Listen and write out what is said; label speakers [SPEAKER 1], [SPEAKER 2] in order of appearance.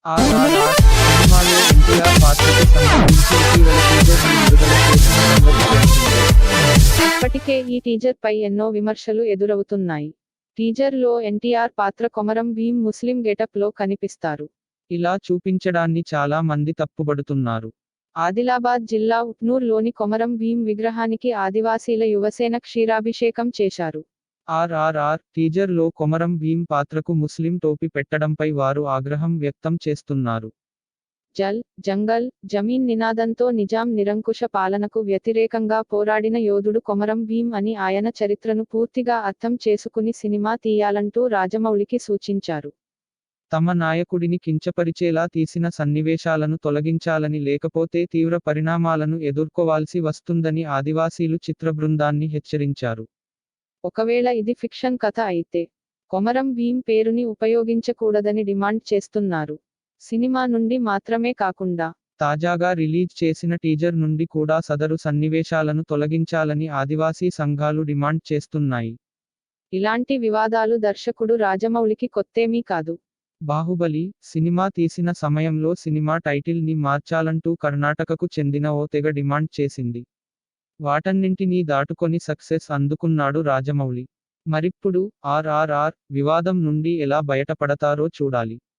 [SPEAKER 1] ఆర్ఆర్ఆర్ సినిమాలో ఎన్టీఆర్ పాత్రకు సంబంధించి ఇటీవల టీజర్ ని విడుదల చేసిన సంగతి తెలిసిందే.
[SPEAKER 2] ఇప్పటికే ఈ టీజర్ పై ఎన్నో విమర్శలు ఎదురవుతున్నాయి. టీజర్ లో ఎన్టీఆర్ పాత్ర కొమరం భీం ముస్లిం గెటప్ లో కనిపిస్తారు.
[SPEAKER 1] ఇలా చూపించడాన్ని చాలా మంది తప్పుబడుతున్నారు.
[SPEAKER 2] ఆదిలాబాద్ జిల్లా ఉట్నూర్ లోని కొమరం భీం విగ్రహానికి ఆదివాసీల యువసేన క్షీరాభిషేకం చేశారు.
[SPEAKER 1] ఆర్ఆర్ఆర్ టీజర్ లో కొమరం భీం పాత్రకు ముస్లిం టోపీ పెట్టడంపై వారు ఆగ్రహం వ్యక్తం చేస్తున్నారు.
[SPEAKER 2] జల్ జంగల్ జమీన్ నినాదంతో నిజాం నిరంకుశ పాలనకు వ్యతిరేకంగా పోరాడిన యోధుడు కొమరం భీం అని ఆయన చరిత్రను పూర్తిగా అర్థం చేసుకుని సినిమా తీయాలంటూ రాజమౌళికి సూచించారు.
[SPEAKER 1] తమ నాయకుడిని కించపరిచేలా తీసిన సన్నివేశాలను తొలగించాలని లేకపోతే తీవ్ర పరిణామాలను ఎదుర్కోవాల్సి వస్తుందని ఆదివాసీలు చిత్ర బృందాన్ని హెచ్చరించారు.
[SPEAKER 2] ఒకవేళ ఇది ఫిక్షన్ కథ అయితే కొమరం భీం పేరుని ఉపయోగించకూడదని డిమాండ్ చేస్తున్నారు. సినిమా నుండి మాత్రమే కాకుండా
[SPEAKER 1] తాజాగా రిలీజ్ చేసిన టీజర్ నుండి కూడా సదరు సన్నివేశాలను తొలగించాలని ఆదివాసీ సంఘాలు డిమాండ్ చేస్తున్నాయి.
[SPEAKER 2] ఇలాంటి వివాదాలు దర్శకుడు రాజమౌళికి కొత్తేమీ కాదు.
[SPEAKER 1] బాహుబలి సినిమా తీసిన సమయంలో సినిమా టైటిల్ ని మార్చాలంటూ కర్ణాటకకు చెందిన ఓ తెగ డిమాండ్ చేసింది. వాటన్నింటినీ దాటుకొని సక్సెస్ అందుకున్నాడు రాజమౌళి. మరిప్పుడు ఆర్ఆర్ఆర్ వివాదం నుండి ఎలా బయటపడతారో చూడాలి.